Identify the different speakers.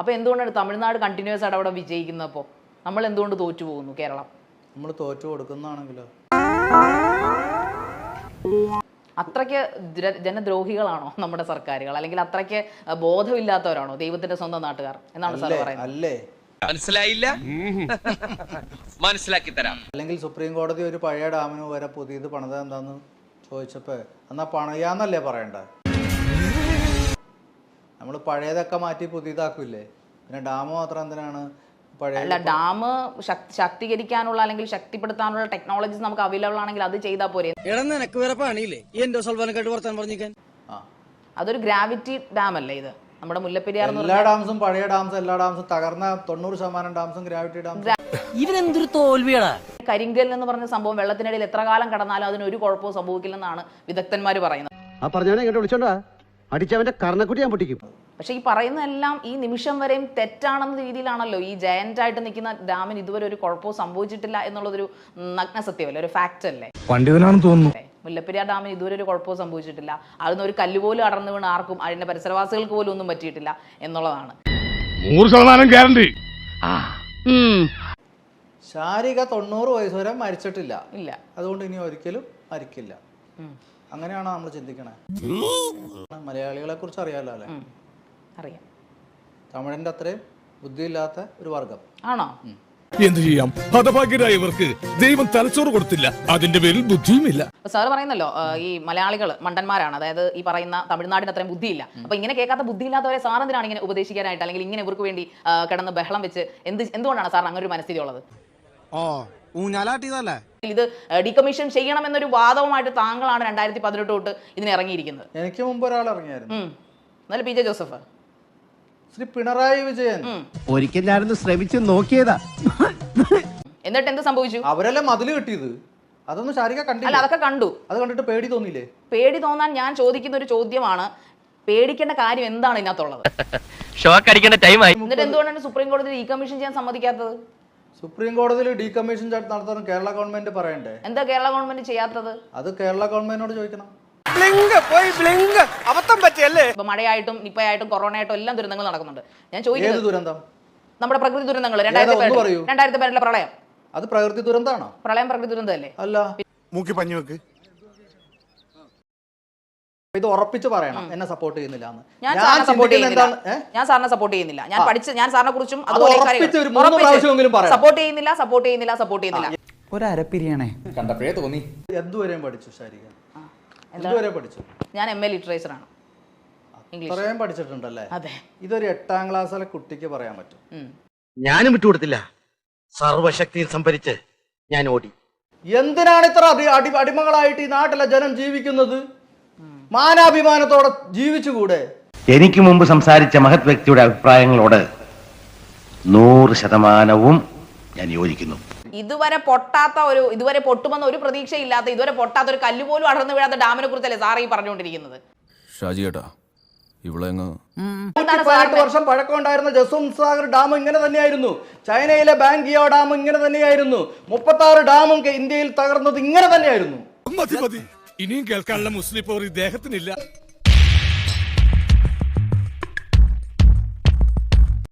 Speaker 1: അപ്പോൾ എന്തുകൊണ്ടാണ് തമിഴ്നാട് കണ്ടിന്യൂസ് ആയിട്ട് അവിടെ വിജയിക്കുന്നപ്പോൾ നമ്മൾ എന്തുകൊണ്ട് തോറ്റു പോകുന്നു കേരളം?
Speaker 2: നമ്മൾ തോറ്റു കൊടുക്കുന്നതാണെങ്കിലോ?
Speaker 1: അത്രയ്ക്ക് ജനദ്രോഹികളാണോ നമ്മുടെ സർക്കാരുകൾ, അല്ലെങ്കിൽ അത്രയ്ക്ക് ബോധമില്ലാത്തവരാണോ ദൈവത്തിന്റെ സ്വന്തം നാട്ടുകാർ എന്നാണ് സാർ പറയുന്നത്?
Speaker 2: അല്ലേ,
Speaker 3: മനസ്സിലായില്ല, മനസ്സിലാക്കി തരാം.
Speaker 2: അല്ലെങ്കിൽ സുപ്രീം കോടതി ഒരു പഴയ ഡാമിന് വരെ പുതിയത് പണിത് എന്താന്ന് ചോദിച്ചപ്പോ എന്നാ പണിയാന്നല്ലേ പറയണ്ടേ? നമ്മൾ പഴയതൊക്കെ മാറ്റി പുതിയതാക്കൂല്ലേ, പിന്നെ ഡാം മാത്രം എന്തിനാണ്?
Speaker 1: അല്ല, ഡാം ശക്തീകരിക്കാനുള്ള അല്ലെങ്കിൽ ശക്തിപ്പെടുത്താനുള്ള ടെക്നോളജീസ് നമുക്ക് അവൈലബിൾ ആണെങ്കിൽ അത് ചെയ്താൽ പോരെ? അതൊരു ഗ്രാവിറ്റി ഡാം അല്ലേ ഇത്? നമ്മുടെ മുല്ലപ്പെരിയാർ
Speaker 2: എല്ലാ ഡാംസും പഴയ ഡാംസും എല്ലാ ഡാംസും തകർന്ന 90% ഡാംസും ഗ്രാവിറ്റി ഡാംസും.
Speaker 4: ഇവനെന്തൊരു തോൽവിയാടാ.
Speaker 1: കരിങ്കൽ എന്ന് പറഞ്ഞ സംഭവം വെള്ളത്തിനിടയിൽ എത്ര കാലം കടന്നാലും അതിന് ഒരു കുഴപ്പവും സംഭവിക്കില്ലെന്നാണ് വിദഗ്ധന്മാർ പറയുന്നത്.
Speaker 5: ആ പറഞ്ഞവനെ ഇങ്ങോട്ട് വിളിച്ചോണ്ടാ അടിച്ചവന്റെ കർണക്കുട്ടി ഞാൻ പൊട്ടിക്കും.
Speaker 1: പക്ഷെ ഈ പറയുന്നതെല്ലാം ഈ നിമിഷം വരെയും തെറ്റാണെന്ന രീതിയിലാണല്ലോ. ഈ ജയന്റ് ആയിട്ട് നിൽക്കുന്ന ഡാമിന് ഇതുവരെ ഒരു കുഴപ്പവും സംഭവിച്ചിട്ടില്ല എന്നുള്ളതൊരു നഗ്ന സത്യമല്ലേ, ഒരു ഫാക്ട് അല്ലേ?
Speaker 6: പണ്ഡിതനാണെന്ന് തോന്നുന്നു.
Speaker 1: മുല്ലപ്പെരിയാർ ഡാമിന് ഇതുവരെ ഒരു കുഴപ്പവും സംഭവിച്ചിട്ടില്ല. അതിന് ഒരു കല്ലുപോലും അടർന്നു വീണ് ആർക്കും അതിന്റെ പരിസരവാസികൾക്ക് പോലും ഒന്നും പറ്റിയിട്ടില്ല എന്നുള്ളതാണ്
Speaker 6: 100% ഗ്യാരണ്ടി.
Speaker 2: ശാരിക 90 വയസ്സ് വരെ മരിച്ചിട്ടില്ല.
Speaker 1: ഇല്ല,
Speaker 2: അതുകൊണ്ട് ഇനി ഒരിക്കലും മരിക്കില്ല. അങ്ങനെയാണോ നമ്മൾ ചിന്തിക്കണേ? മലയാളികളെ കുറിച്ച് അറിയാലോ അല്ലെ?
Speaker 1: അറിയാം.
Speaker 2: തമിഴിന്റെ അത്രയും ബുദ്ധിയില്ലാത്ത ഒരു വർഗം
Speaker 1: ആണോ?
Speaker 6: എന്ത് ചെയ്യാം, ഹതഭാഗ്യരായവർക്ക് ദൈവം തലച്ചോറ് കൊടുത്തില്ല, അതിന്റെ പേരിൽ ബുദ്ധിയുമില്ല.
Speaker 1: സാറ് പറയുന്നല്ലോ ഈ മലയാളികൾ മണ്ടന്മാരാണ്, അതായത് ഈ പറയുന്ന തമിഴ്നാടിന് അത്രയും ബുദ്ധിയില്ല. അപ്പൊ ഇങ്ങനെ കേൾക്കാത്ത ബുദ്ധിയില്ലാത്തവരെ സാർ എന്തിനാണ് ഇങ്ങനെ ഉപദേശിക്കാനായിട്ട്, അല്ലെങ്കിൽ ഇങ്ങനെ ഇവർക്ക് വേണ്ടി കിടന്ന് ബഹളം വെച്ച് എന്തുകൊണ്ടാണ് സാറിന് അങ്ങനെ ഒരു മനസ്ഥിതി ഉള്ളത്? ഇത് ഡീകമ്മീഷൻ ചെയ്യണമെന്നൊരു വാദവുമായിട്ട് താങ്കളാണ് 2018 തൊട്ട് ഇതിന് ഇറങ്ങിയിരിക്കുന്നത്.
Speaker 2: എനിക്ക് മുമ്പ് ഒരാൾ ഇറങ്ങിയായിരുന്നു.
Speaker 1: എന്നാലും പി ജെ ജോസഫ്,
Speaker 2: ശ്രീ പിണറായി വിജയൻ.
Speaker 5: ഒരിക്കൽ ഞാനൊന്ന് ശ്രമിച്ചു നോക്കിയതാ,
Speaker 1: എന്നിട്ട് എന്ത് സംഭവിച്ചു?
Speaker 2: അവരെല്ലാം മതില് കിട്ടിയത്. അതൊന്നും ശാരിക കണ്ടില്ല.
Speaker 1: അല്ല, അതൊക്കെ കണ്ടു.
Speaker 2: അത് കണ്ടിട്ട് പേടി തോന്നിയില്ലേ?
Speaker 1: പേടി തോന്നാൻ ഞാൻ ചോദിക്കുന്ന ഒരു ചോദ്യമാണ്, പേടിക്കേണ്ട കാര്യം എന്താണ് ഇതിനകത്തുള്ളത്? എന്നിട്ട് എന്തുകൊണ്ടാണ് സുപ്രീം കോടതി ഡീകമ്മീഷൻ ചെയ്യാൻ സമ്മതിക്കാത്തത്?
Speaker 2: സുപ്രീം കോടതിയിൽ ഡീകമ്മീഷൻ നടത്താൻ കേരള ഗവൺമെന്റ് പറയണ്ടേ?
Speaker 1: എന്താ കേരള ഗവൺമെന്റ് ചെയ്യാത്തത്?
Speaker 2: അത് കേരള ഗവൺമെന്റിനോട് ചോദിക്കണം.
Speaker 1: ഇപ്പൊ മഴയായിട്ടും നിപ്പയായിട്ടും കൊറോണയായിട്ടും എല്ലാം ദുരന്തങ്ങൾ നടക്കുന്നുണ്ട്. ഞാൻ ചോദിക്കുന്നത്
Speaker 2: ദുരന്തം
Speaker 1: നമ്മുടെ പ്രകൃതി ദുരന്തങ്ങൾ 2018 പ്രളയം,
Speaker 2: അത് പ്രകൃതി ദുരന്തമാണോ?
Speaker 1: പ്രളയം പ്രകൃതി ദുരന്തമല്ലേ?
Speaker 2: അല്ല,
Speaker 6: മൂക്കി പഞ്ഞു വെക്ക്.
Speaker 2: ഇത് ഉറപ്പിച്ച് പറയണം, എന്നെ സപ്പോർട്ട് ചെയ്യുന്നില്ല.
Speaker 1: ഞാൻ സാറിനെ സപ്പോർട്ട് ചെയ്യുന്നില്ല. ഞാൻ സാറിനെ കുറിച്ചും സപ്പോർട്ട് ചെയ്യുന്നില്ല.
Speaker 7: ഒരു അരപ്പിരിയാണേ
Speaker 4: കണ്ടപ്പോഴേ തോന്നി.
Speaker 2: എന്തുവരെയും പഠിച്ചു ശാരിക? എന്തുവരെ പഠിച്ചു?
Speaker 1: ഞാൻ MA ലിറ്ററേച്ചർ ആണ്.
Speaker 2: ഇത്രയും പഠിച്ചിട്ടുണ്ടല്ലേ?
Speaker 1: അതെ.
Speaker 2: ഇതൊരു 8ാം ക്ലാസ്സിലെ കുട്ടിക്ക് പറയാൻ പറ്റും?
Speaker 5: ഞാനും വിട്ടുകൊടുത്തില്ല. സർവശക്തിയും സംഭരിച്ച് ഞാൻ ഓടി.
Speaker 2: എന്തിനാണ് ഇത്ര അടിമകളായിട്ട് ഈ നാട്ടിലെ ജനം ജീവിക്കുന്നത്? മാനാഭിമാനത്തോടെ ജീവിച്ചുകൂടെ?
Speaker 5: എനിക്ക് മുമ്പ് സംസാരിച്ച മഹത് വ്യക്തിയുടെ അഭിപ്രായങ്ങളോട് 100% ഞാൻ യോജിക്കുന്നു.
Speaker 1: ഇതുവരെ പൊട്ടുമെന്ന ഒരു പ്രതീക്ഷയില്ലാത്ത, ഇതുവരെ പൊട്ടാത്ത, ഒരു കല്ല് പോലും അടർന്നു വീഴാത്ത ഡാമിനെ കുറിച്ചല്ലേ സാറ് ഈ പറഞ്ഞുകൊണ്ടിരിക്കുന്നത്?
Speaker 6: ഷാജി ഏട്ടാ, ഇവിടെ
Speaker 2: 18 വർഷം പഴക്കമുണ്ടായിരുന്ന ജസ്വന്ത് ഡാം ഇങ്ങനെ തന്നെയായിരുന്നു. ചൈനയിലെ ബാങ്കിയോ ഡാം ഇങ്ങനെ തന്നെയായിരുന്നു. 36 ഡാമും ഇന്ത്യയിൽ തകർന്നത് ഇങ്ങനെ തന്നെയായിരുന്നു.
Speaker 6: ഇനിയും കേൾക്കാനുള്ള മുസ്ലിം പോർ ഇദ്ദേഹത്തിനില്ല.